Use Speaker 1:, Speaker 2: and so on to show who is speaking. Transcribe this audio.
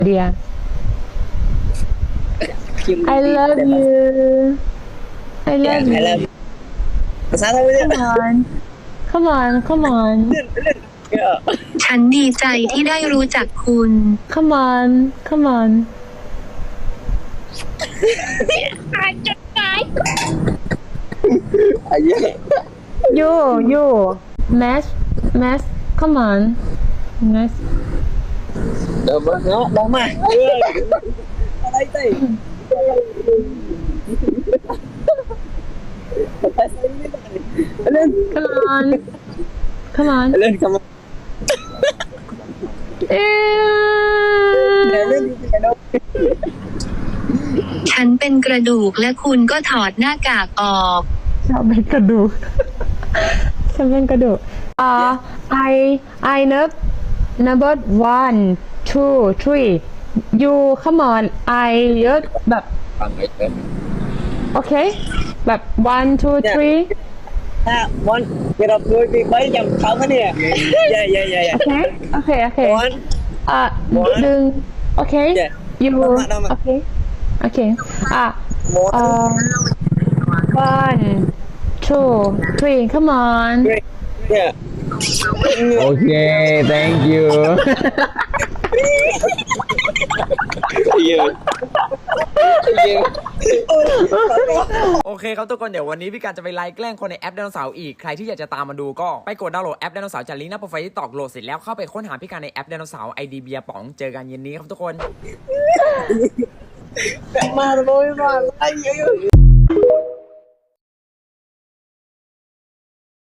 Speaker 1: dear. I love you. I love
Speaker 2: I love
Speaker 1: you.
Speaker 2: you. Sao thôi
Speaker 1: Come on. Come on. Come on.
Speaker 2: Yeah.
Speaker 3: ฉันดีใจที่ได้รู้จักคุณ
Speaker 1: Come on. Come on.
Speaker 2: Yeah.
Speaker 1: You. Mash. Come on. Mash.
Speaker 2: Nó bóng mà. Ở đây thì. Lên.
Speaker 1: Come on. Come on.
Speaker 2: Lên come on. Lên đi cái đâu.
Speaker 3: ฉันเป็นกระดูกและคุณก็ถอดหน้ากากออก
Speaker 1: ฉันเป็นกระดูก ฉันเป็นกระดูกI number 1 2 3 you come on I เยอะแบบ โอเค แบบ 1 2 3
Speaker 2: Ha, one. Get up đôi bị mấy dòng không á nè. Yeah.
Speaker 1: โอเค
Speaker 2: One.
Speaker 1: ดึง โอเค
Speaker 2: Yeah.
Speaker 1: you
Speaker 2: นำมา
Speaker 1: โอเค
Speaker 2: One.
Speaker 1: 1 2 3 come on
Speaker 2: Three. Yeah.
Speaker 4: Okay, thank you.
Speaker 2: Yeah.
Speaker 5: โอเคครับทุกคนเดี๋ยววันนี้พี่การจะไปไลฟ์แกล้งคนในแอปไดโนเสาร์อีกใครที่อยากจะตามมาดูก็ไปกดดาวน์โหลดแอปไดโนเสาร์จากลิงก์หน้าโปรไฟล์ที่ตอกโหลดเสร็จแล้วเข้าไปค้นหาพี่การในแอปไดโนเสาร์ไอดีเบียร์ป๋องเจอกันเย็นนี้ครับทุกคน
Speaker 2: Mà rồi mà. Ai